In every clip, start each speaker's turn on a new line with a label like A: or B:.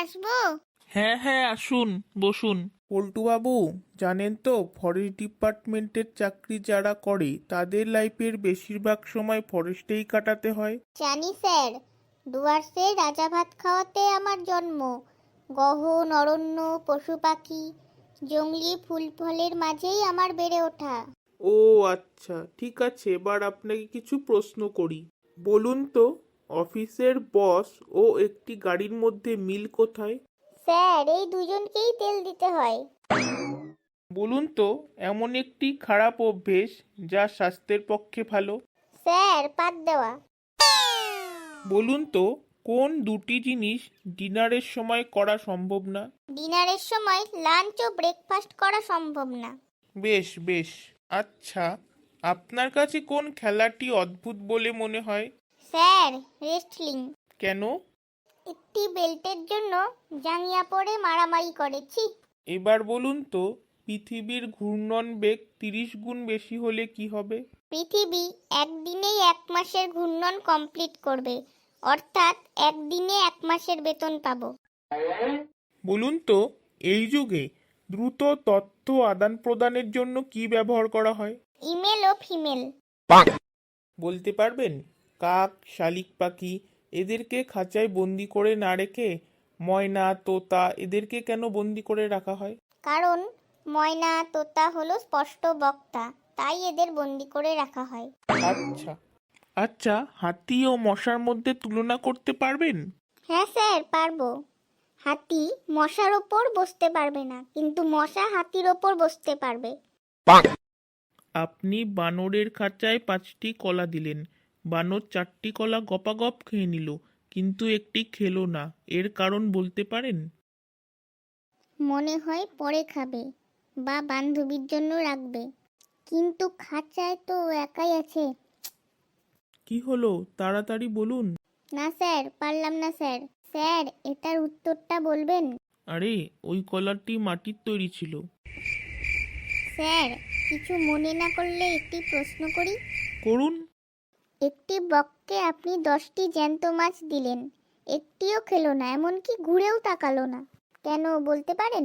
A: আসবো?
B: হ্যাঁ হ্যাঁ, আসুন, বসুন। পল্টুবাবু, জানেন তো ফরেস্ট ডিপার্টমেন্টের চাকরি যারা করে তাদের লাইফের বেশিরভাগ সময় ফরেস্টেই কাটাতে হয়।
A: জানি স্যার, ডুয়ার্সে রাজা ভাত খাওয়াতে আমার জন্ম। গহন অরণ্য, পশু পাখি, জংলি ফুল ফলের মাঝেই আমার বেড়ে ওঠা।
B: ও আচ্ছা, ঠিক আছে, এবার আপনাকে কিছু প্রশ্ন করি। বলুন তো, অফিসের বস ও একটি গাড়ির মধ্যে মিল কোথায়?
A: স্যার, এই দুজনকেই তেল দিতে হয়।
B: বলুন তো, এমন একটি খারাপ অভ্যেস যা স্বাস্থ্যের পক্ষে ভালো।
A: স্যার, পাত দেওয়া।
B: বলুন তো, কোন দুটি জিনিস ডিনারের সময় করা সম্ভব না?
A: ডিনারের সময় লাঞ্চ ও ব্রেকফাস্ট করা সম্ভব না।
B: বেশ বেশ। আচ্ছা, আপনার কাছে কোন খেলাটি অদ্ভুত বলে মনে হয়?
A: Sir, wrestling.
B: কেন?
A: একটি বেল্টের জন্য জাঙ্গিয়া পরে মারামারি করেছি।
B: এবার বলুন তো, পৃথিবীর ঘূর্ণন বেগ 30 গুণ বেশি হলে কি হবে?
A: পৃথিবী একদিনেই 1 মাসের ঘূর্ণন কমপ্লিট করবে, অর্থাৎ একদিনে 1 মাসের বেতন পাবো।
B: বলুন তো, এই যুগে দ্রুত তথ্য আদান প্রদানের জন্য কি ব্যবহার করা হয়?
A: ইমেল ও ফিমেল।
B: বলতে পারবেন, কাক, শালিক পাখি এদেরকে খাঁচায় বন্দি করে না রেখে ময়না, তোতা এদেরকে কেন বন্দি করে রাখা হয়?
A: কারণ ময়না তোতা হলো স্পষ্ট বক্তা, তাই এদের বন্দি করে রাখা হয়।
B: আচ্ছা আচ্ছা, হাতি ও মশার মধ্যে তুলনা করতে পারবেন?
A: হ্যাঁ স্যার, পারবো। হাতি মশার ওপর বসতে পারবে না, কিন্তু মশা হাতির ওপর বসতে পারবে।
B: আপনি বানরের খাঁচায় 5টি কলা দিলেন, বানর 4টি কলা গপাগপ খেয়ে নিল, কিন্তু একটি খেলো না, এর কারণ বলতে পারেন?
A: মনে হয় পরে খাবে বা বান্ধবীর জন্য রাখবে, কিন্তু খাঁচায় তো ও একাই আছে।
B: কি হলো, তাড়াতাড়ি বলুন।
A: না স্যার, পারলাম না স্যার। স্যার, এটার উত্তরটা বলবেন?
B: আরে, ওই কলাটি মাটির তৈরি ছিল।
A: স্যার, কিছু মনে না করলে একটি প্রশ্ন করি।
B: করুন।
A: একটি বককে আপনি 10টি জ্যান্ত মাছ দিলেন, একটিও খেলো না, এমনকি ঘুরেও তাকালো না, কেন বলতে পারেন?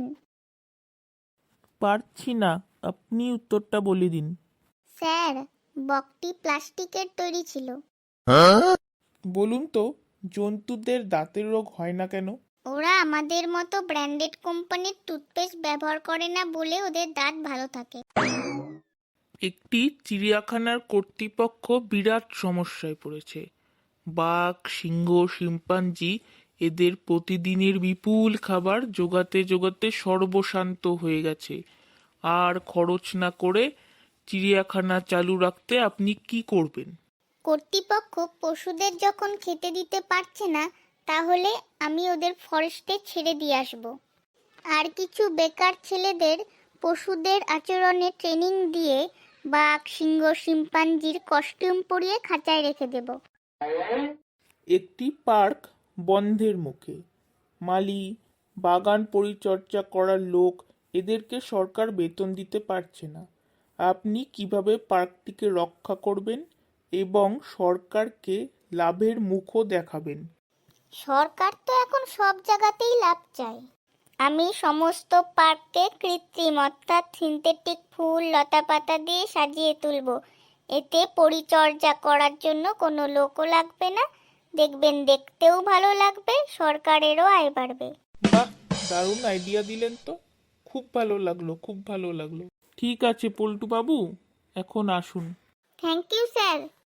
B: পারছি না, আপনি উত্তরটা বলে দিন।
A: স্যার, বকটি প্লাস্টিকের তৈরি ছিল।
B: বলুন তো, জন্তুদের দাঁতের রোগ হয় না কেন?
A: ওরা আমাদের মতো ব্র্যান্ডেড কোম্পানির টুথপেস্ট ব্যবহার করে না বলে ওদের দাঁত ভালো থাকে।
B: একটি চিড়িয়াখানার কর্তৃপক্ষ বিরাট সমস্যায় পড়েছে। বাঘ, সিংহ, শিম্পাঞ্জি এদের প্রতিদিনের বিপুল খাবার জোগাতে জোগাতে সর্বশান্ত হয়ে গেছে। আর খরচ না করে চিড়িয়াখানা চালু রাখতে আপনি কি করবেন?
A: কর্তৃপক্ষ পশুদের যখন খেতে দিতে পারছে না, তাহলে আমি ওদের ফরেস্টে ছেড়ে দিয়ে আসব। আর কিছু বেকার ছেলেদের পশুদের আচরণে ট্রেনিং দিয়ে বাঘ, সিংহ, শিম্পাঞ্জির কস্টিউম পরিয়ে খাঁচায় রেখে দেব।
B: একটি পার্ক বন্ধের মুখে, মালি, বাগান পরিচর্যা করার লোক এদেরকে সরকার বেতন দিতে পারছে না। আপনি কিভাবে পার্কটিকে রক্ষা করবেন এবং সরকারকে লাভের মুখও দেখাবেন?
A: সরকার তো এখন সব জায়গাতেই লাভ চায়। আমি সমস্ত পার্ককে কৃত্রিম অর্থাৎ সিনথেটিক ফুল লতাপাতা দিয়ে সাজিয়ে তুলব। এতে পরিচর্যা করার জন্য কোনো লোকও লাগবে না। দেখবেন, দেখতেও ভালো লাগবে, সরকারেরও আয় বাড়বে।
B: বাহ, দারুণ আইডিয়া দিলেন তো। খুব ভালো লাগলো, খুব ভালো লাগলো। ঠিক আছে পল্টু বাবু, এখন আসুন।
A: Thank you sir.